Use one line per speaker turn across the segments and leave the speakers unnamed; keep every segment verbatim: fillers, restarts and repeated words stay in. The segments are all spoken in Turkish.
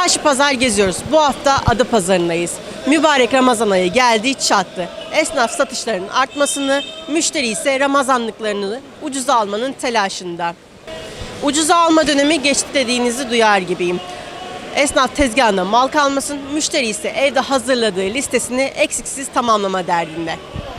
Çarşı pazar geziyoruz. Bu hafta Adapazarı'ndayız. Mübarek Ramazan ayı geldi çattı. Esnaf satışlarının artmasını, müşteri ise Ramazanlıklarını ucuza almanın telaşında. Ucuza alma dönemi geçti dediğinizi duyar gibiyim. Esnaf tezgahında mal kalmasın, müşteri ise evde hazırladığı listesini eksiksiz tamamlama derdinde.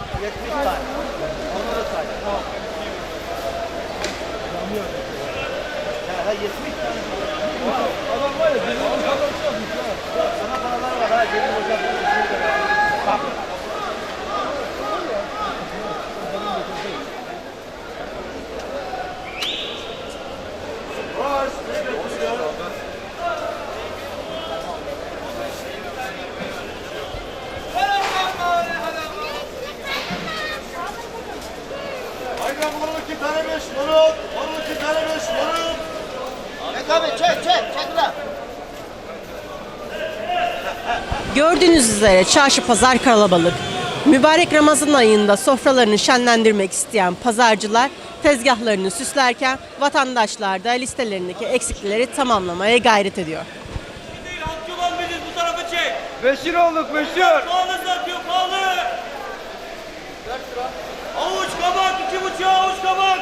Gördüğünüz üzere çarşı pazar kalabalık. Mübarek Ramazan ayında sofralarını şenlendirmek isteyen pazarcılar tezgahlarını süslerken vatandaşlar da listelerindeki eksikleri tamamlamaya gayret ediyor.
Değil, halkçı olan biziz, bu tarafı çek.
Meşhur olduk meşhur.
Pahalı satıyor, pahalı. Avuç kabak, iki buçuğa avuç kabak.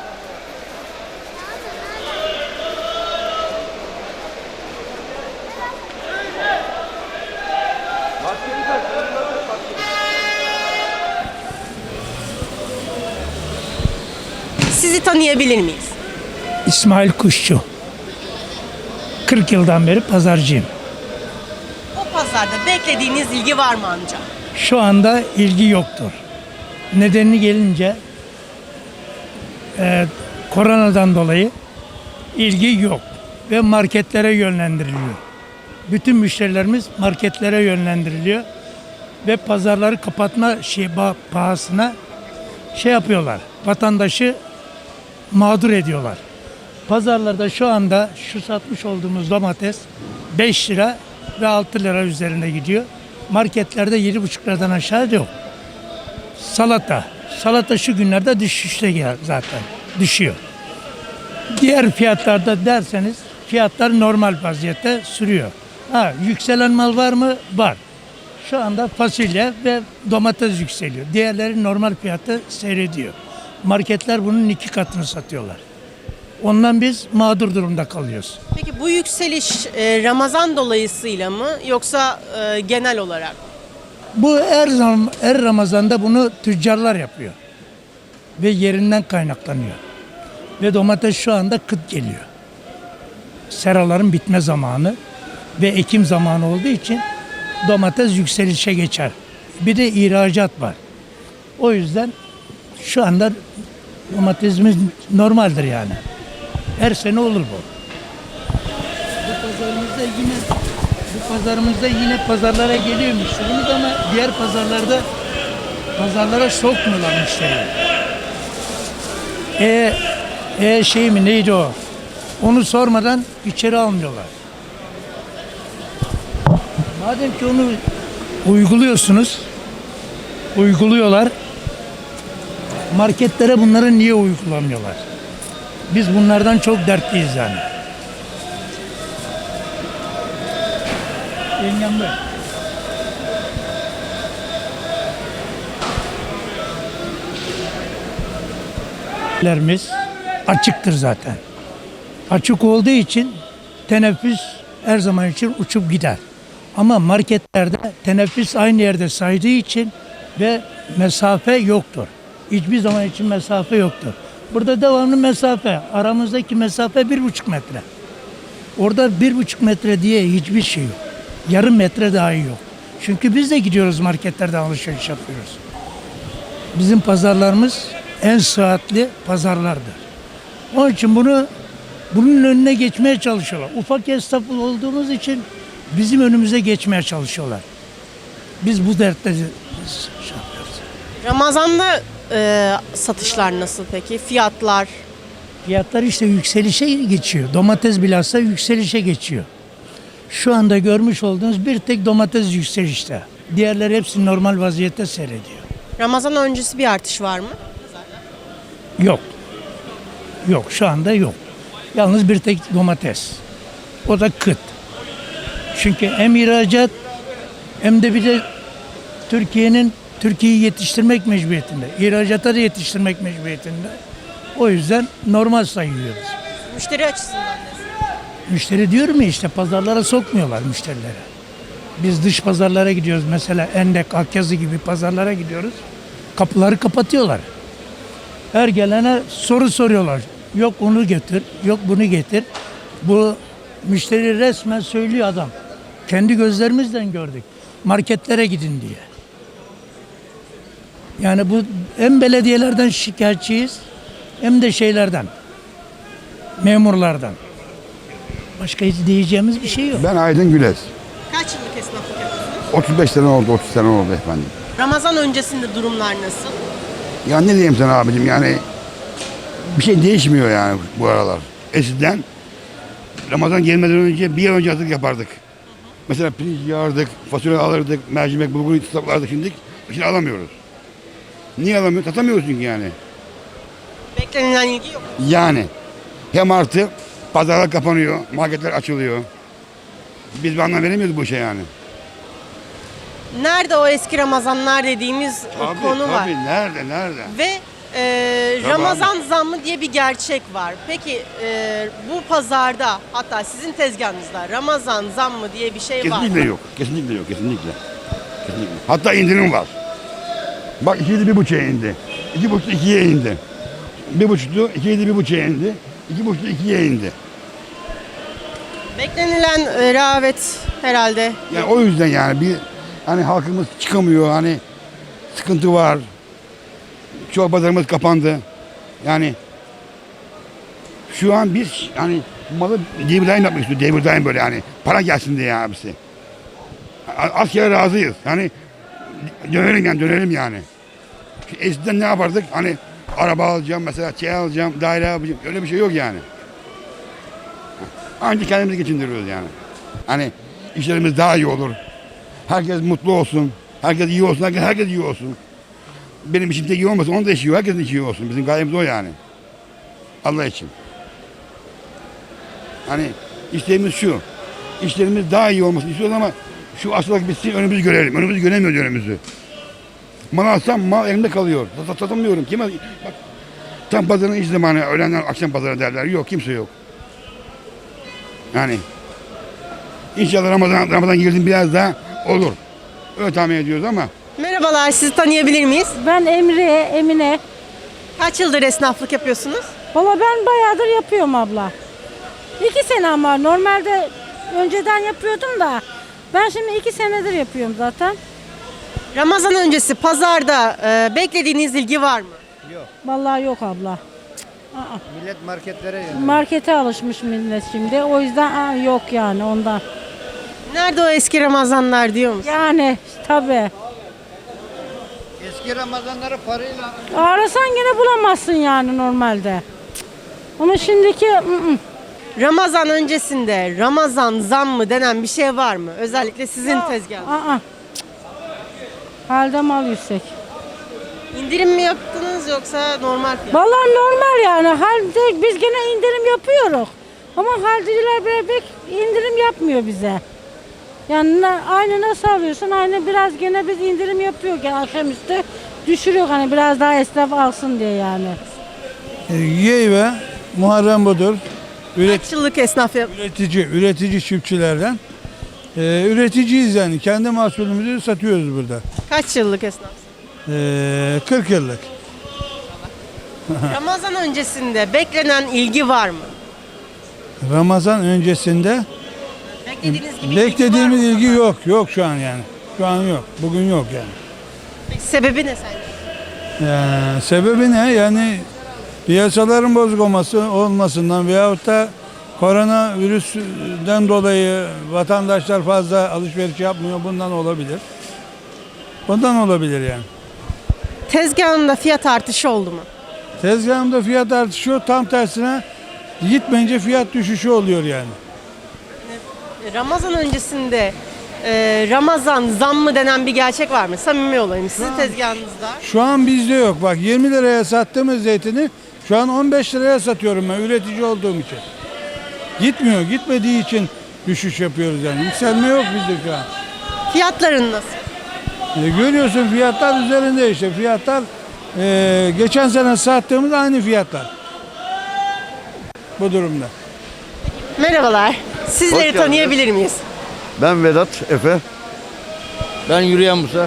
Sizi tanıyabilir miyiz?
İsmail Kuşçu. kırk yıldan beri pazarcıyım.
O pazarda beklediğiniz ilgi var mı amca?
Şu anda ilgi yoktur. Nedeni gelince e, koronadan dolayı ilgi yok ve marketlere yönlendiriliyor. Bütün müşterilerimiz marketlere yönlendiriliyor ve pazarları kapatma şey ba- pahasına şey yapıyorlar. Vatandaşı mağdur ediyorlar. Pazarlarda şu anda şu satmış olduğumuz domates beş lira ve altı lira üzerinde gidiyor. Marketlerde yedi buçuk liradan aşağı yok. Salata. Salata şu günlerde düşüşte gel- zaten. Düşüyor. Diğer fiyatlarda derseniz fiyatlar normal vaziyette sürüyor. Ha, yükselen mal var mı? Var. Şu anda fasulye ve domates yükseliyor. Diğerleri normal fiyatı seyrediyor. Marketler bunun iki katını satıyorlar. Ondan biz mağdur durumda kalıyoruz.
Peki bu yükseliş e, Ramazan dolayısıyla mı yoksa e, genel olarak?
Bu her zaman her Ramazan'da bunu tüccarlar yapıyor. Ve yerinden kaynaklanıyor. Ve domates şu anda kıt geliyor. Seraların bitme zamanı ve ekim zamanı olduğu için domates yükselişe geçer. Bir de ihracat var. O yüzden şu anda domatesimiz normaldir yani. Her sene olur bu. Bu pazarımızda yine bu pazarımızda yine pazarlara geliyor müşterimiz ama diğer pazarlarda pazarlara sokmuyorlar müşteriyi. E, e şey mi neydi o? Onu sormadan içeri almıyorlar. Madem ki onu uyguluyorsunuz, uyguluyorlar. Marketlere bunları niye uygulamıyorlar? Biz bunlardan çok dertliyiz yani. Yengem böyle. Lerimiz açıktır zaten. Açık olduğu için teneffüs her zaman için uçup gider. Ama marketlerde teneffüs aynı yerde saydığı için ve mesafe yoktur. Hiçbir zaman için mesafe yoktur. Burada devamlı mesafe. Aramızdaki mesafe bir buçuk metre. Orada bir buçuk metre diye hiçbir şey yok. Yarım metre dahi yok. Çünkü biz de gidiyoruz marketlerde alışveriş yapıyoruz. Bizim pazarlarımız en sıhhatli pazarlardır. Onun için bunu bunun önüne geçmeye çalışıyorlar. Ufak esnaf olduğumuz için bizim önümüze geçmeye çalışıyorlar. Biz bu dertte şey yapıyoruz.
Ramazan'da e, satışlar nasıl peki? Fiyatlar?
Fiyatlar işte yükselişe geçiyor. Domates bilhassa yükselişe geçiyor. Şu anda görmüş olduğunuz bir tek domates yükselişte. Diğerleri hepsi normal vaziyette seyrediyor.
Ramazan öncesi bir artış var mı?
Yok. Yok şu anda yok. Yalnız bir tek domates. O da kıt. Çünkü hem ihracat hem de bir de Türkiye'nin Türkiye'yi yetiştirmek mecburiyetinde. İhracata da yetiştirmek mecburiyetinde. O yüzden normal sayıyoruz.
Müşteri açısından nasıl?
Müşteri diyorum ya işte pazarlara sokmuyorlar müşterileri. Biz dış pazarlara gidiyoruz mesela Endek, Akyazı gibi pazarlara gidiyoruz. Kapıları kapatıyorlar. Her gelene soru soruyorlar. Yok onu getir, yok bunu getir. Bu müşteri resmen söylüyor adam. Kendi gözlerimizden gördük. Marketlere gidin diye. Yani bu hem belediyelerden şikayetçiyiz hem de şeylerden, memurlardan. Başka hiç diyeceğimiz bir şey yok.
Ben Aydın Güles.
Kaç yıllık esnaflık yapıyorsunuz?
otuz beş sene oldu, otuz sene oldu efendim.
Ramazan öncesinde durumlar nasıl?
Ya ne diyeyim sana abicim yani bir şey değişmiyor yani bu aralar. Eskiden Ramazan gelmeden önce bir ay önce hazırlık yapardık. Mesela pirinç yağardık, fasulye alırdık, mercimek, bulgur stoklardık şimdi. Şimdi alamıyoruz. Niye alamıyoruz? Satamıyoruz çünkü yani.
Beklenilen ilgi yok.
Yani hem artı pazarlar kapanıyor, marketler açılıyor. Biz bir anlam veremiyoruz bu işe yani.
Nerede o eski Ramazanlar dediğimiz
Tabii,
konu var.
tabii. Nerede, nerede?
Ve e,
Tabii
Ramazan zammı diye bir gerçek var. Peki e, bu pazarda hatta sizin tezgahınızda Ramazan zammı diye bir şey var
Kesinlikle
mı?
yok. Kesinlikle yok. Kesinlikle. Kesinlikle. Hatta indirim var. Bak ikiydi bir buçuğa indi. İki buçuk ikiye indi. Bir buçuktu, ikiydi bir buçuğa indi. İki buçuktu ikiye indi.
Beklenilen e, rağbet herhalde.
Yani o yüzden yani bir hani halkımız çıkamıyor hani sıkıntı var. Çoğu pazarımız kapandı. Yani şu an biz hani malı devir daim yapmak istiyoruz. Devir daim böyle yani para gelsin diye abisi. Az kere razıyız. Hani dönelim yani dönelim yani. Eskiden ne yapardık? Hani araba alacağım mesela şey alacağım, daire alacağım. Öyle bir şey yok yani. Ancak kendimizi geçindiriyoruz yani. Hani işlerimiz daha iyi olur. Herkes mutlu olsun. Herkes iyi olsun. Herkes, herkes iyi olsun. Benim işim tek iyi olmasın. Onun da işi iyi. Herkesin işi iyi olsun. Bizim gayemiz o yani. Allah için. Hani isteğimiz şu. İşlerimiz daha iyi olmasını istiyoruz ama şu hastalık bitsin önümüzü görelim. Önümüzü göremiyoruz önümüzü. Mal alsam mal elimde kalıyor. Sat, satamıyorum. Kime? Bak, tam pazarın iş zamanı. Öğlenden akşam pazarı derler. Yok kimse yok. Yani inşallah Ramazan, Ramazan girdim biraz daha olur. Öyle tahmin ediyoruz ama.
Merhabalar, sizi tanıyabilir miyiz?
Ben Emre, Emine.
Kaç yıldır esnaflık yapıyorsunuz?
Valla ben bayağıdır yapıyorum abla. İki senem var. Normalde önceden yapıyordum da. Ben şimdi iki senedir yapıyorum zaten.
Ramazan öncesi pazarda e, beklediğiniz ilgi var mı?
Vallahi yok abla.
Millet marketlere yöneliyor.
Markete alışmış millet şimdi. O yüzden aa, yok yani ondan.
Nerede o eski Ramazanlar diyor musun?
Yani tabii.
Eski Ramazanları parayla
Arasan gene bulamazsın yani normalde. Cık. Ama şimdiki ı -ı.
Ramazan öncesinde Ramazan zammı denen bir şey var mı? Özellikle sizin tezgahınızda.
Aa, cık. Halde mal yüksek.
İndirim mi yaptınız yoksa normal fiyat?
Vallahi normal yani. Halde biz gene indirim yapıyoruz. Ama halciler böyle pek indirim yapmıyor bize. Yani na- aynı nasıl alıyorsun? Aynı biraz gene biz indirim yapıyor. Gene akşamüstü düşürüyor hani biraz daha esnaf alsın diye yani.
Yeyve, Muharrem Budur, üret,
Kaç yıllık esnaf yap-
üretici, üretici çiftçilerden. Ee, üreticiyiz yani. Kendi mahsulümüzü satıyoruz burada.
Kaç yıllık esnaf?
Ee, kırk yıllık.
Ramazan öncesinde beklenen ilgi var mı?
Ramazan öncesinde
Beklediğiniz gibi
beklediğimiz
ilgi var mı?
ilgi yok. Yok şu an yani. Şu an yok. Bugün yok yani.
Peki sebebi ne sence?
Ee, sebebi ne? Yani piyasaların bozuk olması olmasından veyahut da koronavirüsten dolayı vatandaşlar fazla alışveriş yapmıyor. Bundan olabilir. Bundan olabilir yani.
Tezgahında fiyat artışı oldu mu?
Tezgahımda fiyat artışı yok. Tam tersine gitmeyince fiyat düşüşü oluyor yani.
Ramazan öncesinde e, Ramazan zammı denen bir gerçek var mı? Samimi olayım. Sizin tezgahınızda.
Şu an bizde yok. Bak yirmi liraya sattığımız zeytini şu an on beş liraya satıyorum ben üretici olduğum için. Gitmiyor. Gitmediği için düşüş yapıyoruz yani. Yükselme yok bizde şu an.
Fiyatların nasıl?
E, görüyorsun fiyatlar üzerinde işte. Fiyatlar e, geçen sene sattığımız aynı fiyatlar. Bu durumda.
Merhabalar. Sizleri
Hoş geldiniz.
tanıyabilir miyiz?
Ben Vedat Efe.
Ben yürüyen Musa.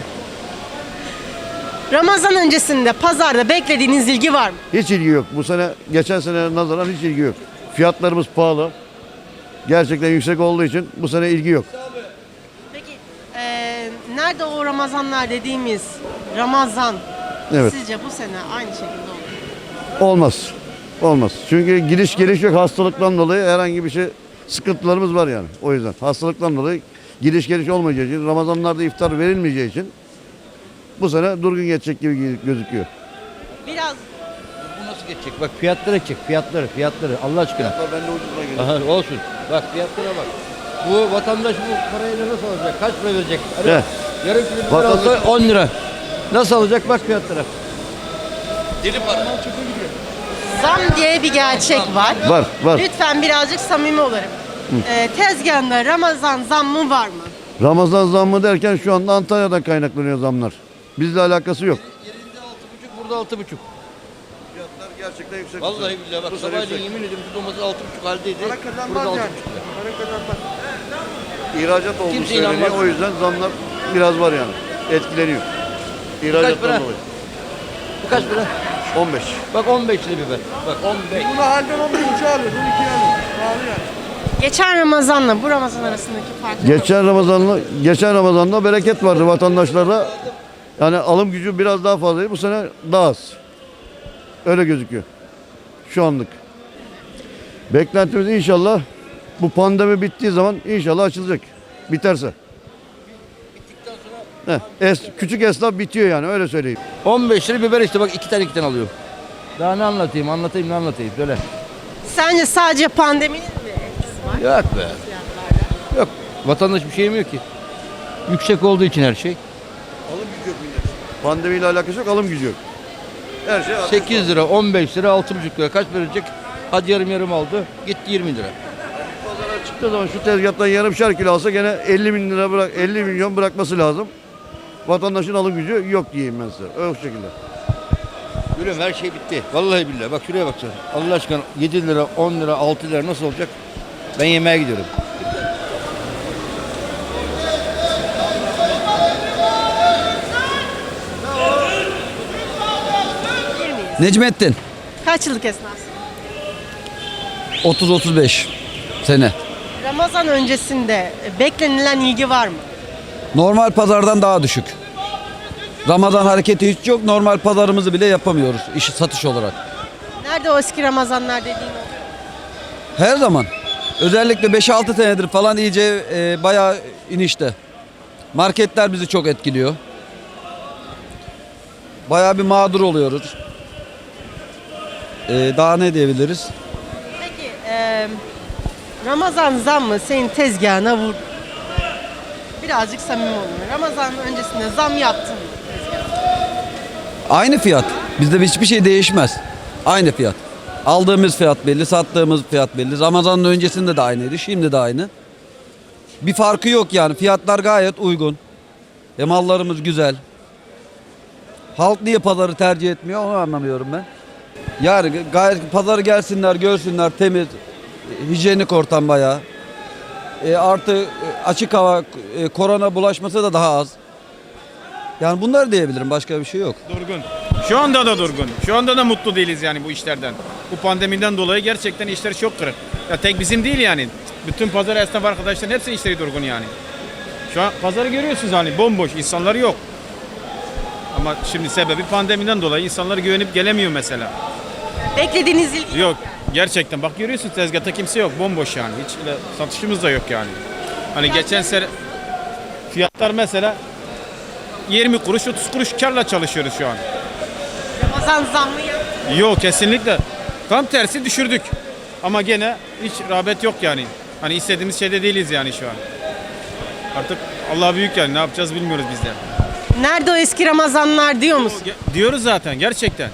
Ramazan öncesinde pazarda beklediğiniz ilgi var mı?
Hiç ilgi yok. Bu sene geçen sene nazaran hiç ilgi yok. Fiyatlarımız pahalı. Gerçekten yüksek olduğu için bu sene ilgi yok.
Peki eee, nerede o Ramazanlar dediğimiz Ramazan
Evet.
sizce bu sene aynı şekilde olur mu?
Olmaz. Olmaz. Çünkü giriş geliş yok. Hastalıktan dolayı herhangi bir şey sıkıntılarımız var yani. O yüzden hastalıktan dolayı giriş geliş olmayacağı için, Ramazanlarda iftar verilmeyeceği için bu sene durgun geçecek gibi gözüküyor.
Biraz
Bu nasıl geçecek? Bak fiyatlara çek. Fiyatları, fiyatları. Allah aşkına.
Ben de ucuzuna geliyor.
Aha, olsun. Bak fiyatlara bak. Bu vatandaş bu parayla nasıl alacak? Kaç para verecek? Alo.
Ne?
Yarım kilo biber
Vatandaş-
alsa on lira. Nasıl alacak? Bak fiyatlara. Deli para.
zam diye bir gerçek var.
Var, var.
Lütfen birazcık samimi olalım. Eee tezgahında Ramazan zammı var mı?
Ramazan zammı derken şu anda Antalya'dan kaynaklanıyor zamlar. Bizle alakası yok.
Yerinde altı buçuk, burada altı buçuk.
Fiyatlar gerçekten yüksek.
Vallahi billahi bak
Bu sene
sabahleyin
yüksek.
yemin ediyorum şu domates altı buçuk haldeydi. Burada altı buçuk lira.
İhracat olduğu
Kimse
söyleniyor.
inanmaz.
O yüzden zamlar biraz var yani. Etkileniyor. İhracattan
para?
dolayı.
Bu kaç lira?
on beş.
Bak on beş lira biber. Bak on beş.
Geçen Ramazan'la bu Ramazan arasındaki fark ne?
Geçen Ramazan'la geçen Ramazan'da bereket vardı vatandaşlarda. Yani alım gücü biraz daha fazlaydı. Bu sene daha az. Öyle gözüküyor. Şu anlık. Beklentimiz inşallah bu pandemi bittiği zaman inşallah açılacak. Biterse. Heh, es, küçük esnaf bitiyor yani öyle söyleyeyim.
on beş lira biber işte bak iki tane iki tane alıyorum. Daha ne anlatayım anlatayım ne anlatayım söyle.
Sence sadece pandeminin mi etkisi var?
Yok be. Yok vatandaş bir şey yemiyor ki. Yüksek olduğu için her şey.
Alım gücü yok millet. Pandemiyle alakası yok, alım gücü yok. Her şey
sekiz lira, on beş lira, altı buçuk lira. Kaç verecek? Hadi yarım yarım aldı. Gitti yirmi lira.
Pazara çıktığı zaman şu tezgahtan yarımşar kilo alsa gene elli bin lira bırak, elli milyon bırakması lazım. Vatandaşın alım gücü yok diyeyim ben size. Öyle şekilde.
Gülüm her şey bitti. Vallahi billahi. Bak şuraya bak sen. Allah aşkına yedi lira, on lira, altı lira nasıl olacak? Ben yemeğe gidiyorum.
Bilir miyiz?
Necmettin.
Kaç yıllık esnafsın?
otuz otuz beş sene.
Ramazan öncesinde beklenilen ilgi var mı?
Normal pazardan daha düşük. Ramazan hareketi hiç yok. Normal pazarımızı bile yapamıyoruz iş satış olarak.
Nerede o eski Ramazanlar dediğin oluyor?
Her zaman. Özellikle beş altı senedir falan iyice e, bayağı inişte. Marketler bizi çok etkiliyor. Bayağı bir mağdur oluyoruz. E, daha ne diyebiliriz?
Peki eee, Ramazan zammı senin tezgahına vurdu. Birazcık samimi olun. Ramazan öncesinde zam yaptın mı tezgahına?
Aynı fiyat. Bizde hiçbir şey değişmez. Aynı fiyat. Aldığımız fiyat belli, sattığımız fiyat belli. Ramazan'ın öncesinde de aynıydı, şimdi de aynı. Bir farkı yok yani. Fiyatlar gayet uygun. Ve mallarımız güzel. Halk niye pazarı tercih etmiyor onu anlamıyorum ben. Yani gayet pazarı gelsinler, görsünler temiz, hijyenik ortam bayağı. E, artı e, açık hava, e, korona bulaşması da daha az. Yani bunları diyebilirim, başka bir şey yok.
Durgun. Şu anda da durgun. Şu anda da mutlu değiliz yani bu işlerden. Bu pandemiden dolayı gerçekten işler çok kırık. Ya tek bizim değil yani. Bütün pazar esnaf arkadaşların hepsinin işleri durgun yani. Şu an pazarı görüyorsunuz hani bomboş, insanlar yok. Ama şimdi sebebi pandemiden dolayı insanlar güvenip gelemiyor mesela.
Beklediğiniz ilgi
Yok gerçekten bak görüyorsun tezgahta kimse yok, bomboş yani. Hiç öyle satışımız da yok yani. Hani geçen sene fiyatlar mesela yirmi kuruş otuz kuruş karla çalışıyoruz şu an.
Ramazan zammı yaptın.
Yok kesinlikle. Tam tersi düşürdük. Ama gene hiç rağbet yok yani. Hani istediğimiz şeyde değiliz yani şu an. Artık Allah büyük yani ne yapacağız bilmiyoruz biz de.
Nerede o eski Ramazanlar diyor musun?
Ge- Diyoruz zaten gerçekten.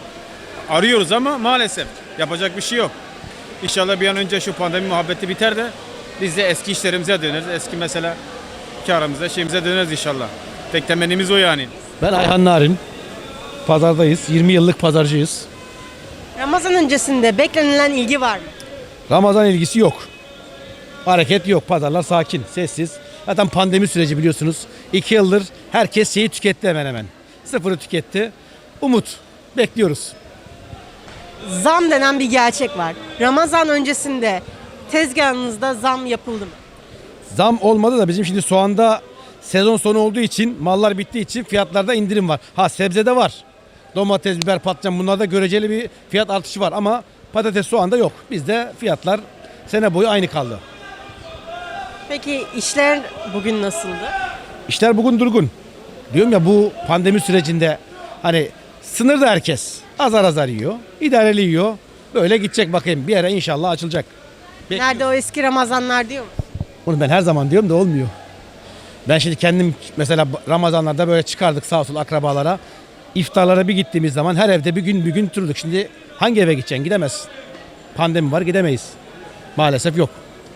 Arıyoruz ama maalesef yapacak bir şey yok. İnşallah bir an önce şu pandemi muhabbeti biter de Biz de eski işlerimize döneriz. Eski mesela karımıza, şeyimize döneriz inşallah. Tek temennimiz o yani.
Ben Ayhan Narin. Pazardayız. yirmi yıllık pazarcıyız.
Ramazan öncesinde beklenilen ilgi var mı?
Ramazan ilgisi yok. Hareket yok. Pazarlar sakin, sessiz. Zaten pandemi süreci biliyorsunuz. İki yıldır herkes şeyi tüketti hemen hemen. Sıfırı tüketti. Umut. Bekliyoruz.
Zam denen bir gerçek var. Ramazan öncesinde tezgahınızda zam yapıldı mı?
Zam olmadı da bizim şimdi soğanda sezon sonu olduğu için, mallar bittiği için fiyatlarda indirim var. Ha sebzede var. Domates, biber, patlıcan bunlarda göreceli bir fiyat artışı var ama patates, soğanda yok. Bizde fiyatlar sene boyu aynı kaldı.
Peki işler bugün nasıldı?
İşler bugün durgun. Diyorum ya bu pandemi sürecinde hani sınırda herkes azar azar yiyor, idareli yiyor. Böyle gidecek bakayım bir yere inşallah açılacak. Bekliyorum.
Nerede o eski Ramazanlar diyor mu?
Bunu ben her zaman diyorum da olmuyor. Ben şimdi kendim mesela Ramazanlarda böyle çıkardık sağ olsun akrabalara. İftarlara bir gittiğimiz zaman her evde bir gün bir gün oturduk. Şimdi hangi eve gideceksin? Gidemezsin. Pandemi var gidemeyiz. Maalesef yok.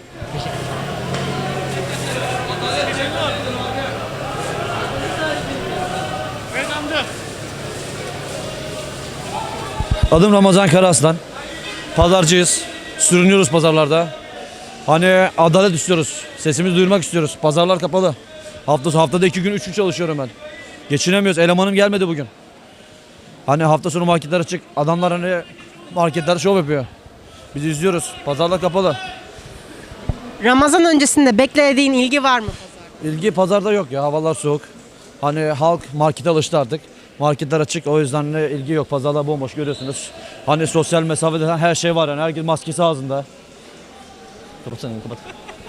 Adım Ramazan Karaaslan. Pazarcıyız. Sürünüyoruz pazarlarda. Hani adalet istiyoruz. Sesimizi duyurmak istiyoruz. Pazarlar kapalı. Hafta haftada iki gün, üç gün çalışıyorum ben. Geçinemiyoruz. Elemanım gelmedi bugün. Hani hafta sonu marketler açık. Adamlar hani marketler şov yapıyor. Biz izliyoruz. Pazarlar kapalı.
Ramazan öncesinde beklediğin ilgi var mı?
İlgi pazarda yok ya. Havalar soğuk. Hani halk markete alıştı artık. Marketler açık. O yüzden de ilgi yok. Pazarlar bomboş görüyorsunuz. Hani sosyal mesafede her şey var yani. Herkes maskesi ağzında. Kapatsana kapat.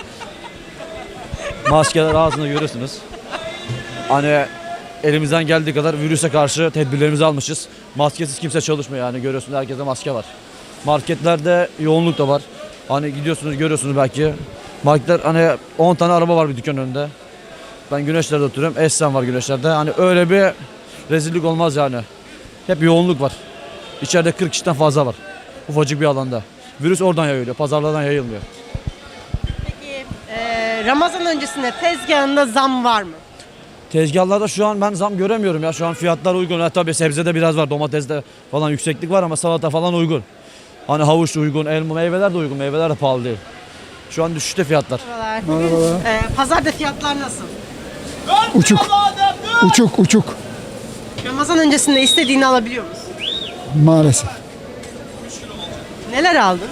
Maskeler ağzında görüyorsunuz. Hani elimizden geldiği kadar virüse karşı tedbirlerimizi almışız. Maskesiz kimse çalışmıyor yani görüyorsunuz herkeste maske var. Marketlerde yoğunluk da var. Hani gidiyorsunuz görüyorsunuz belki. Marketler hani on tane araba var bir dükkan önünde. Ben Güneşler'de oturuyorum. Esen var Güneşler'de. Hani öyle bir rezillik olmaz yani. Hep yoğunluk var. İçeride kırk kişiden fazla var. Ufacık bir alanda. Virüs oradan yayılıyor. Pazarlardan yayılmıyor.
Peki e, Ramazan öncesinde tezgahında zam var mı?
Tezgahlarda şu an ben zam göremiyorum ya. Şu an fiyatlar uygun. Ha, tabii sebzede biraz var. Domateste falan yükseklik var ama salata falan uygun. Hani havuç da uygun, elma, meyveler de uygun. Meyveler de pahalı değil. Şu an düşüşte fiyatlar.
Merhabalar. Bugün, e, pazarda fiyatlar nasıl?
Uçuk. Uçuk uçuk.
Ramazan öncesinde istediğini alabiliyor musun?
Maalesef.
Neler aldın?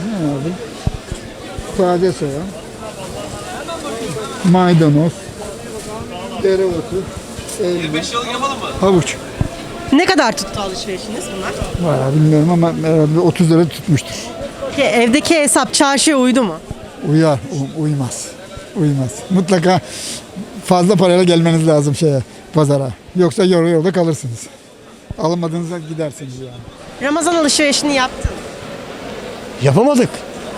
Sade soğan. Maydanoz. Dereotu. Elma. Havuç.
Ne kadar tuttu alışverişiniz bunlar?
Valla bilmiyorum ama herhalde otuz lira tutmuştur.
Peki evdeki hesap çarşıya uydu mu?
Uyar, u- uymaz. Uymaz. Mutlaka fazla parayla gelmeniz lazım şeye, pazara. Yoksa yarı yolda kalırsınız. Almadığınızda gidersiniz yani.
Ramazan alışverişini yaptın.
Yapamadık.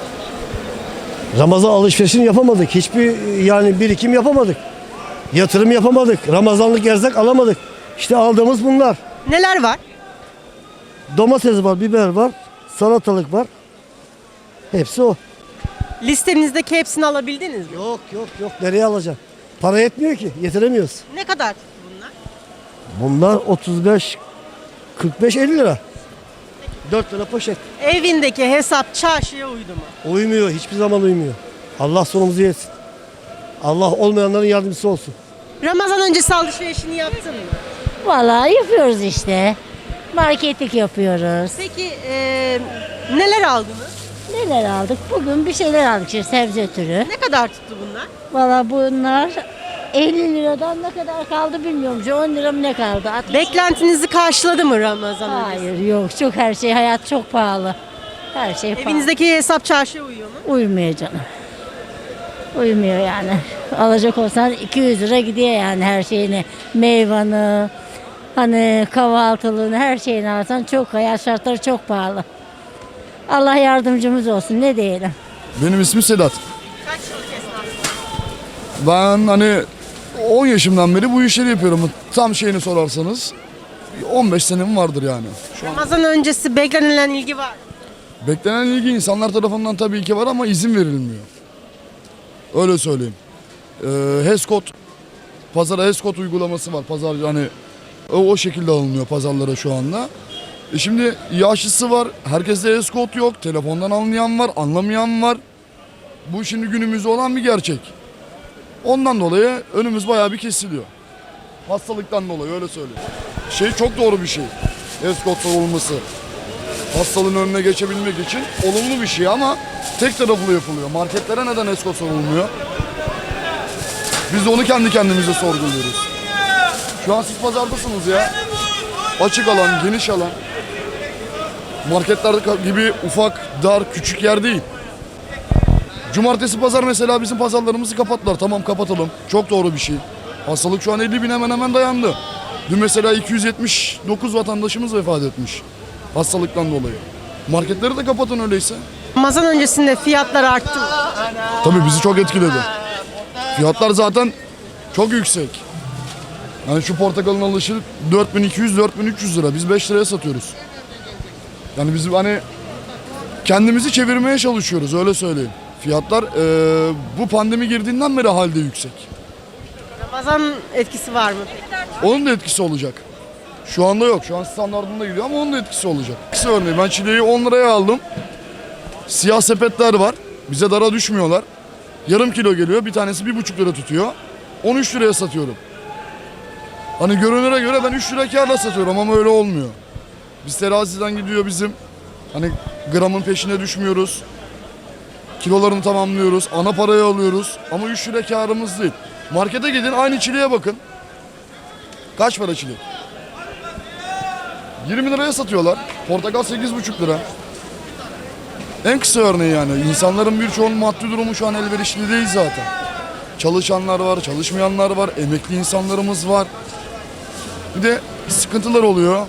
Ramazan alışverişini yapamadık. Hiçbir yani birikim yapamadık. Yatırım yapamadık. Ramazanlık erzak alamadık. İşte aldığımız bunlar.
Neler var?
Domates var, biber var, salatalık var. Hepsi o.
Listenizdeki hepsini alabildiniz mi?
Yok yok yok. Nereye alacağım? Para yetmiyor ki. Yetiremiyoruz.
Ne kadar tuttu bunlar?
Bunlar otuz beş, kırk beş, elli lira. dört lira poşet.
Evindeki hesap çarşıya uydu mu?
Uymuyor. Hiçbir zaman uymuyor. Allah sonumuzu yesin. Allah olmayanların yardımcısı olsun.
Ramazan öncesi alışverişini yaptın mı?
Vallahi yapıyoruz işte. Marketlik yapıyoruz.
Peki e, neler aldınız?
Neler aldık? Bugün bir şeyler aldık işte sebze türü.
Ne kadar tuttu bunlar?
Vallahi bunlar elli liradan ne kadar kaldı bilmiyorum. on lira mı ne kaldı? altmış
Beklentinizi karşıladı mı Ramazan öncesi?
Hayır yok çok her şey hayat çok pahalı. Her şey pahalı.
Evinizdeki hesap çarşıya uyuyor mu?
Uymuyor canım. Uymuyor yani. Alacak olsan iki yüz lira gidiyor yani her şeyini. Meyvanı, hani kahvaltılığını her şeyini alsan çok hayat şartları çok pahalı. Allah yardımcımız olsun ne diyelim.
Benim ismim Sedat.
Kaç yıllık esnafsın?
Ben hani on yaşımdan beri bu işleri yapıyorum. Tam şeyini sorarsanız on beş senem vardır yani.
Ramazan öncesi beklenilen ilgi var mı?
Beklenen ilgi insanlar tarafından tabii ki var ama izin verilmiyor.
Öyle söyleyeyim. Ee, HESKOT, pazara HESKOT uygulaması var. Pazar yani o, o şekilde alınıyor pazarlara şu anda. E şimdi yaşlısı var, herkeste HESKOT yok, telefondan anlayan var, anlamayan var. Bu şimdi günümüzde olan bir gerçek. Ondan dolayı önümüz bayağı bir kesiliyor. Hastalıktan dolayı öyle söyleyeyim. Şey çok doğru bir şey. HESKOT olması. Hastalığın önüne geçebilmek için olumlu bir şey ama tek taraflı yapılıyor. Marketlere neden HESKOT sorulmuyor? Biz de onu kendi kendimize sorguluyoruz. Şu an siz pazardasınız ya. Açık alan, geniş alan. Marketler gibi ufak, dar, küçük yer değil. Cumartesi pazar mesela bizim pazarlarımızı kapattılar. Tamam kapatalım. Çok doğru bir şey. Hastalık şu an elli bin hemen hemen dayandı. Dün mesela iki yüz yetmiş dokuz vatandaşımız vefat etmiş. Hastalıktan dolayı. Marketleri de kapatın öyleyse.
Ramazan öncesinde fiyatlar arttı mı?
Tabii bizi çok etkiledi. Fiyatlar zaten çok yüksek. Yani şu portakalın alışı dört bin iki yüz dört bin üç yüz lira. Biz beş liraya satıyoruz. Yani biz hani kendimizi çevirmeye çalışıyoruz öyle söyleyeyim. Fiyatlar e, bu pandemi girdiğinden beri halde yüksek.
Ramazan etkisi var mı?
Onun da etkisi olacak. Şu anda yok. Şu an standartında gidiyor ama onun da etkisi olacak. Etkisi örneğin ben çileği on liraya aldım. Siyah sepetler var. Bize dara düşmüyorlar. Yarım kilo geliyor. Bir tanesi bir buçuk lira tutuyor. on üç liraya satıyorum. Hani görünüre göre ben üç lira kârla satıyorum ama öyle olmuyor. Biz teraziden gidiyor bizim. Hani gramın peşine düşmüyoruz. Kilolarını tamamlıyoruz. Ana parayı alıyoruz. Ama üç lira kârımız değil. Markete gidin aynı çileğe bakın. Kaç para çilek? yirmi liraya satıyorlar. Portakal sekiz buçuk lira. En kısa örneği yani. İnsanların birçoğunun maddi durumu şu an elverişli değil zaten. Çalışanlar var, çalışmayanlar var, emekli insanlarımız var. Bir de sıkıntılar oluyor.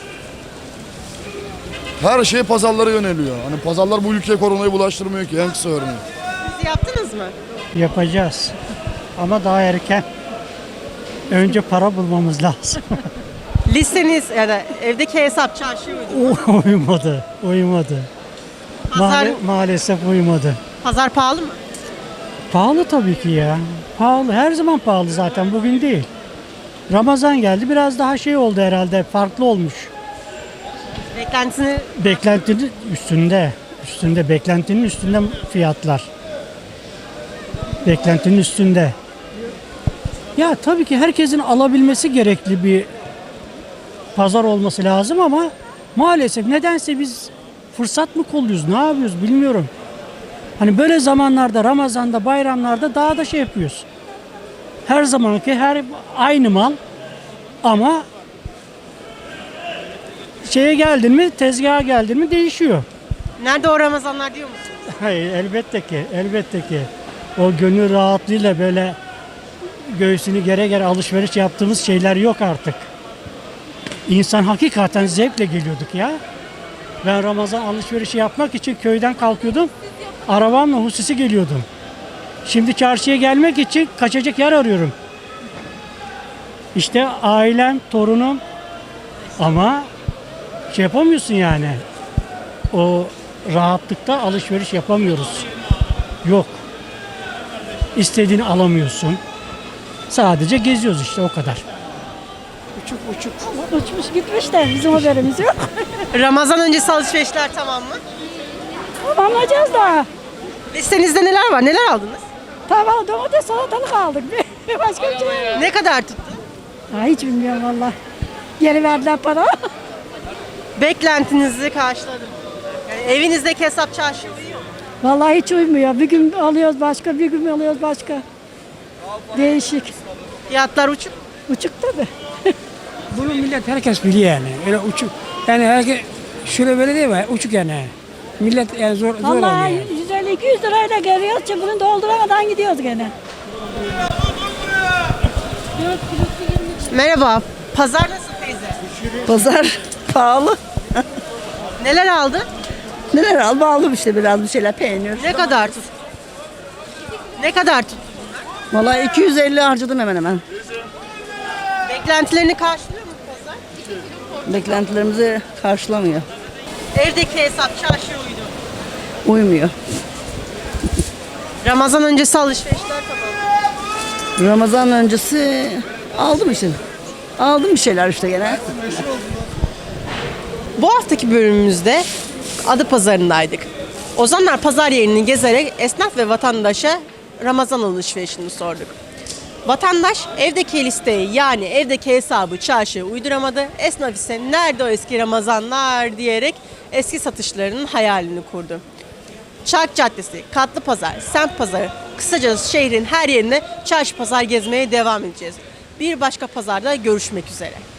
Her şey pazarlara yöneliyor. Hani pazarlar bu ülkeye koronayı bulaştırmıyor ki en kısa örneği.
Siz yaptınız mı?
Yapacağız. Ama daha erken. Önce para bulmamız lazım.
Listeniz ya da evdeki hesap çarşıya uydu.
uymadı, uymadı.
Pazar,
Maal- maalesef uymadı.
pazar pahalı mı?
Pahalı tabii ki ya. Pahalı. Her zaman pahalı zaten. Bugün değil. Ramazan geldi. Biraz daha şey oldu herhalde. Farklı olmuş.
Beklentisini
Beklentinin üstünde. Üstünde. Beklentinin üstünde fiyatlar. Beklentinin üstünde. Ya tabii ki herkesin alabilmesi gerekli bir pazar olması lazım ama maalesef nedense biz fırsat mı kolluyoruz, ne yapıyoruz bilmiyorum. Hani böyle zamanlarda, Ramazan'da, bayramlarda daha da şey yapıyoruz. Her zamanki her aynı mal ama şeye geldin mi, tezgaha geldin mi değişiyor.
nerede o Ramazanlar diyor musunuz?
Hayır, elbette ki, elbette ki. O gönül rahatlığıyla böyle göğsünü gere gere alışveriş yaptığımız şeyler yok artık. İnsan hakikaten zevkle geliyorduk ya. Ben Ramazan alışverişi yapmak için köyden kalkıyordum. Arabamla hususi geliyordum. Şimdi çarşıya gelmek için kaçacak yer arıyorum. İşte ailem, torunum ama şey yapamıyorsun yani. O rahatlıkta alışveriş yapamıyoruz. Yok. İstediğini alamıyorsun. Sadece geziyoruz işte o kadar.
Uçuk uçuk. Uçmuş gitmiş de bizim haberimiz yok.
Ramazan öncesi alışverişler tamam mı?
Anlayacağız daha.
Listenizde neler var? Neler aldınız?
Tamam domates salatalık aldık. Başka bir şey yok.
Ne kadar tuttu?
Ha, hiç bilmiyorum valla. Geri verdiler para.
Beklentinizi karşıladı mı? Yani evinizdeki hesap çarşıya uyuyor mu?
Vallahi hiç uymuyor. Bir gün alıyoruz başka, bir gün alıyoruz başka. Değişik.
Fiyatlar uçuk.
Uçuk tabii.
Bunu millet herkes biliyor yani. Öyle uçuk. Yani herkes şöyle böyle değil mi? Uçuk yani. Millet yani zor, zor oluyor.
Vallahi
Yani.
yüz elli iki yüz lirayla geliyoruz. Çöpünü dolduramadan gidiyoruz gene.
Merhaba. Pazar nasıl teyze?
Pazar pahalı.
Neler aldın?
Neler al? Aldım işte biraz bir şeyler peynir.
Ne kadar tut? Ne kadar tut?
Vallahi iki yüz elli harcadım hemen hemen.
Beklentilerini karşılıyor mu pazar?
Beklentilerimizi karşılamıyor.
Evdeki hesap çarşıya uydu.
Uymuyor.
Ramazan öncesi alışverişler tamam.
Ramazan öncesi aldım işte. Aldım bir şeyler işte gene.
Bu haftaki bölümümüzde Adapazarı'ndaydık. Ozanlar pazar yerini gezerek esnaf ve vatandaşa Ramazan alışverişini sorduk. Vatandaş evdeki listeyi yani evdeki hesabı çarşıya uyduramadı. Esnaf ise nerede o eski Ramazanlar diyerek eski satışlarının hayalini kurdu. Çark Caddesi, Katlı Pazar, Semt Pazarı, kısacası şehrin her yerine çarşı pazar gezmeye devam edeceğiz. Bir başka pazarda görüşmek üzere.